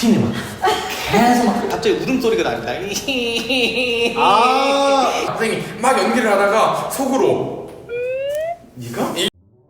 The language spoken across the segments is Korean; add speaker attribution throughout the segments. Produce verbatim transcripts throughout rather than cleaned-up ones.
Speaker 1: 튀네 막 계속 막 갑자기 울음소리가 납니다.
Speaker 2: 아 선생님 막 연기를 하다가 속으로 네가? 이...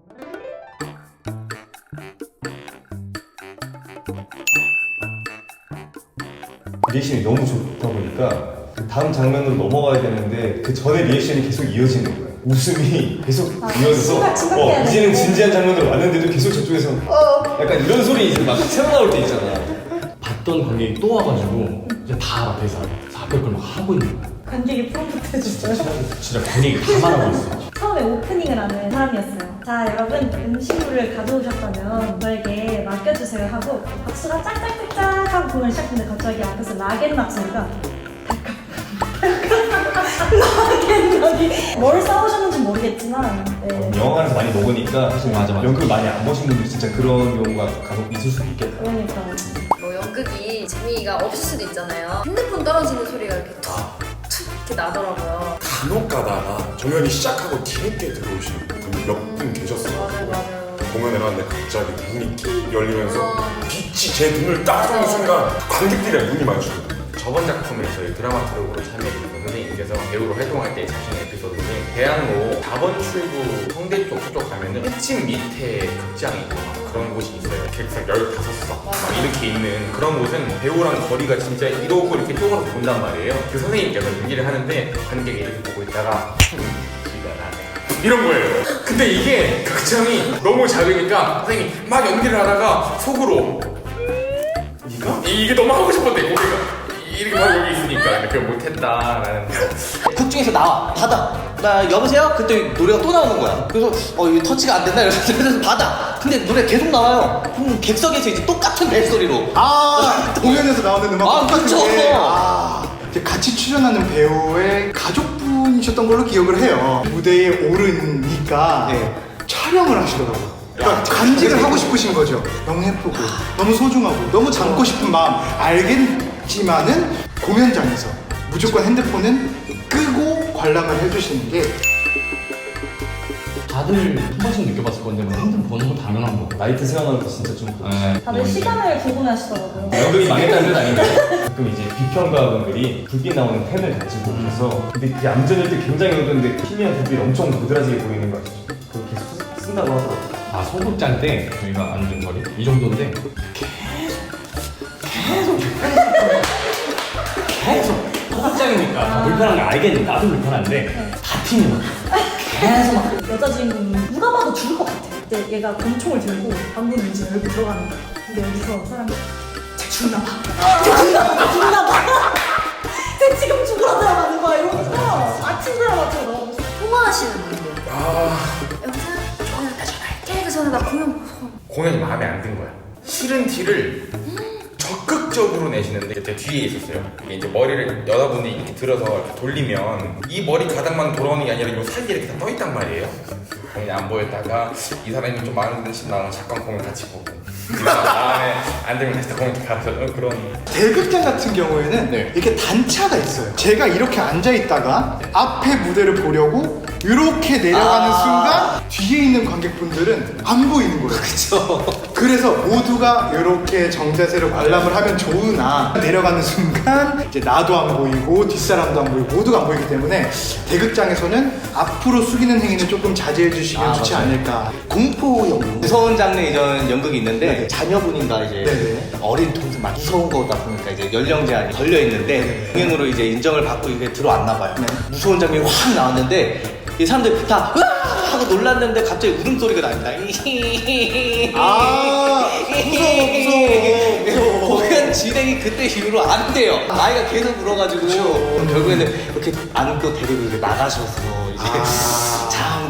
Speaker 3: 리액션이 너무 좋다 보니까 그 다음 장면으로 넘어가야 되는데 그 전에 리액션이 계속 이어지는 거예요. 웃음이 계속
Speaker 4: 아,
Speaker 3: 이어져서
Speaker 4: 심각, 심각해야
Speaker 3: 어, 이제는
Speaker 4: 되는데.
Speaker 3: 진지한 장면으로 왔는데도 계속 저쪽에서
Speaker 4: 어.
Speaker 3: 약간 이런 소리 이제 막 새어 나올 때 있잖아.
Speaker 1: 봤던 관객이 또 와가지고 이제 다 알아. 그래서 앞에 걸 막 하고 있는 거야.
Speaker 4: 관객이 프롬프트 해줬어요.
Speaker 1: 진짜 관객이 다 말하고 있어.
Speaker 4: 처음에 오프닝을 하는 사람이었어요. 자, 여러분 음식물을 가져오셨다면 저에게 맡겨주세요 하고 박수가 짝짝짝짝 하고 공연을 시작했는데 갑자기 앞에서 락앤락 소리가 락앤락이 뭘 싸우셨는지 모르겠지만 네.
Speaker 3: 영화관에서 많이 먹으니까 사실
Speaker 1: 맞아, 맞아.
Speaker 3: 연극을 많이 안 보신 분들 진짜 그런 경우가 간혹 있을 수도 있겠다.
Speaker 4: 그러니까
Speaker 5: 뭐 연극이 재미가 없을 수도 있잖아요. 핸드폰 떨어지는 소리가 이렇게 툭툭 이렇게 나더라고요.
Speaker 2: 간혹 가다가 공연이 시작하고 뒤늦게 들어오시는 분이 몇 분 계셨어요.
Speaker 5: 맞아요, 맞아요.
Speaker 2: 공연을 하는데 갑자기 문이 킥 열리면서
Speaker 5: 어.
Speaker 2: 빛이 제 눈을 딱 쏘는 순간 관객들이랑 눈이 마주치거든요.
Speaker 6: 저번 작품에 저희 드라마 트럭으로 참여해주신 선생님께서 배우로 활동할 때 자신의 에피소드 중에 대학로 사 번 출구 성대 쪽 저쪽 가면은 끝집 밑에 극장이 있고 막 그런 곳이 있어요. 객석 열다섯 석 막 이렇게 있는 그런 곳은 배우랑 거리가 진짜 이러고 이렇게 쪼그라서 본단 말이에요. 그 선생님께서 연기를 하는데 관객이 이렇게 보고 있다가 기가 나네 이런 거예요. 근데 이게 극장이 너무 작으니까 선생님이 막 연기를 하다가 속으로 네가? 이게 너무 하고 싶었대 고개가 이렇게 막 여기 있으니까 그걸 못했다라는
Speaker 1: 극 중에서 나와 받아. 나 여보세요? 그때 노래가 또 나오는 거야. 그래서 어 이거 터치가 안 된다 이래서 받아. 근데 노래 계속 나와요. 그럼 객석에서 이제 똑같은 벨소리로.
Speaker 7: 아 공연에서 나오는 음악
Speaker 1: 아,
Speaker 7: 똑같은
Speaker 1: 그쵸.
Speaker 7: 게 아, 이제 같이 출연하는 배우의 가족분이셨던 걸로 기억을 해요. 무대에 오르니까
Speaker 1: 네.
Speaker 7: 촬영을 하시더라고요. 그러니까 간직을 하고 싶으신 거죠. 너무 예쁘고 너무 소중하고 너무 담고 싶은 마음 알겠지만은 공연장에서 무조건 핸드폰은 끄고 관람을 해주시는 게
Speaker 1: 다들 한 번씩 느껴봤을 건데 뭐 핸드폰 보는 거 당연한 거.
Speaker 3: 나이트 생활하는 거 진짜 좀
Speaker 1: 네.
Speaker 4: 다들 시간을 궁금해하시더라고요.
Speaker 3: 연극이 망했다는 뜻 아닌가요? 가끔 이제 비평가분들이 불빛 나오는 펜을 가지고 오셔서 근데 그게 얌전할 때 굉장히 어두운데 희미한 불빛이 엄청 도드라지게 보이는 거 아시죠? 그걸 계속 쓰- 쓴다고 하더라고요.
Speaker 1: 아 소극장 때 저희가 앉은 거리 이 정도인데 계속 계속 계속 소극장이니까 다 불편한 거 알겠는데 나도 불편한데 다 튀는 거 계속 막
Speaker 4: 여자 주인공이 누가 봐도 죽을 것 같아. 이제 얘가 권총을 들고 방금 이제 열고 들어가는 거야. 근데 여기서 사람이 쟤 죽나 봐. 쟤 죽나 봐. 죽나 봐. 쟤 지금 죽으러 들어가는 거야. 이러면서 아침 드라마처럼 나오고.
Speaker 5: 통화하시는 분들.
Speaker 2: 아
Speaker 5: 여보세요? 저는 아까 전화할게. 그 전에 나 공연 보고.
Speaker 6: 공연이 마음에 안 든 거야. 싫은 티를 적극적으로 내시는데 제 뒤에 있었어요. 이게 이제 머리를 여자분이 이렇게 들어서 이렇게 돌리면 이 머리 가닥만 돌아오는 게 아니라 이 사이에 이렇게 다 떠 있단 말이에요. 공연이 안 보였다가 이 사람이 좀 마음에 드신 나랑 잠깐 공연 같이 보고 마음에 안 들면 다시 공연 가서 그런.
Speaker 7: 대극장 같은 경우에는
Speaker 1: 네.
Speaker 7: 이렇게 단차가 있어요. 제가 이렇게 앉아 있다가 앞에 무대를 보려고 이렇게 내려가는
Speaker 1: 아.
Speaker 7: 순간 뒤에 있는 관객분들은 안 보이는 거예요.
Speaker 1: 그쵸.
Speaker 7: 그래서 모두가 이렇게 정자세로 관람을 하면 좋으나 내려가는 순간 이제 나도 안 보이고 뒷사람도 안 보이고 모두가 안 보이기 때문에 대극장에서는 앞으로 숙이는 행위는 조금 자제해 주시면
Speaker 1: 아,
Speaker 7: 좋지
Speaker 1: 맞아요.
Speaker 7: 않을까.
Speaker 1: 공포 연극 무서운 장르 이전 연극이 있는데
Speaker 7: 네네.
Speaker 1: 자녀분인가 이제
Speaker 7: 네네.
Speaker 1: 어린 동생 막 무서운 거다 보니까 이제 연령 제한이 걸려 있는데
Speaker 7: 네네.
Speaker 1: 공연으로 이제 인정을 받고 이게 들어왔나 봐요.
Speaker 7: 네.
Speaker 1: 무서운 장면이 확 나왔는데 이 사람들 다 으아 하고 놀랐는데 갑자기 울음소리가 납니다.
Speaker 7: 아 무서워 무서워 무서워.
Speaker 1: 공연 진행이 그때 이후로 안 돼요. 아이가 계속 울어가지고
Speaker 7: 그쵸.
Speaker 1: 결국에는 이렇게 안고 데리고 이제 나가셔서 이제
Speaker 7: 아.
Speaker 1: 참.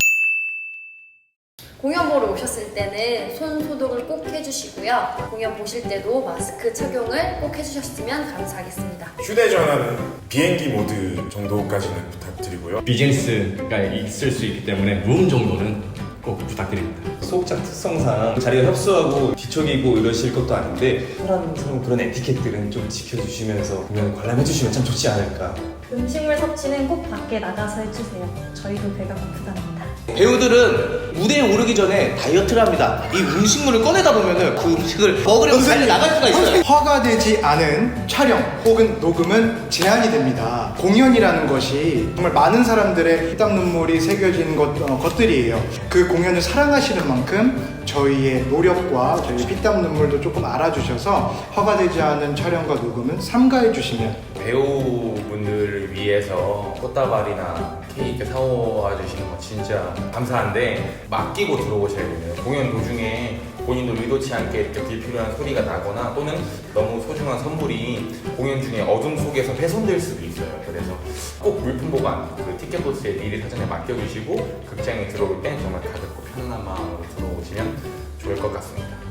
Speaker 5: 공연 보러 오셨을 때는 손 소독을 꼭 해주시고요. 공연 보실 때도 마스크 착용을 꼭 해주셨으면 감사하겠습니다.
Speaker 2: 휴대전화는 비행기 모드 정도까지는 부탁드리고요.
Speaker 1: 비즈니스가 있을 수 있기 때문에 룸 정도는 꼭 부탁드립니다.
Speaker 3: 소극장 특성상 자리가 협소하고 뒤척이고 이러실 것도 아닌데 사람스러운 그런 에티켓들은 좀 지켜주시면서 공연을 관람해주시면 참 좋지 않을까.
Speaker 4: 음식물 섭취는 꼭 밖에 나가서 해주세요. 저희도 배가 고프답니다.
Speaker 1: 배우들은 무대에 오르기 전에 다이어트를 합니다. 이 음식물을 꺼내다 보면은 그 음식을 먹으려고 달려 나갈 수가 있어요.
Speaker 7: 허가되지 않은 촬영 혹은 녹음은 제한이 됩니다. 공연이라는 것이 정말 많은 사람들의 피땀 눈물이 새겨진 것, 어, 것들이에요. 그 공연을 사랑하시는 만큼 저희의 노력과 저희의 피땀 눈물도 조금 알아주셔서 허가되지 않은 촬영과 녹음은 삼가해 주시면
Speaker 6: 배우분들을 위해서 꽃다발이나 케이크 사와 주시는 거 진짜 감사한데 맡기고 들어오셔야 돼요. 공연 도중에 본인도 의도치 않게 불필요한 소리가 나거나 또는 너무 소중한 선물이 공연 중에 어둠 속에서 훼손될 수도 있어요. 그래서 꼭 물품 보관, 그 티켓 보스에 미리 사전에 맡겨주시고 극장에 들어올 땐 정말 가볍고 편안한 마음으로 들어오시면 좋을 것 같습니다.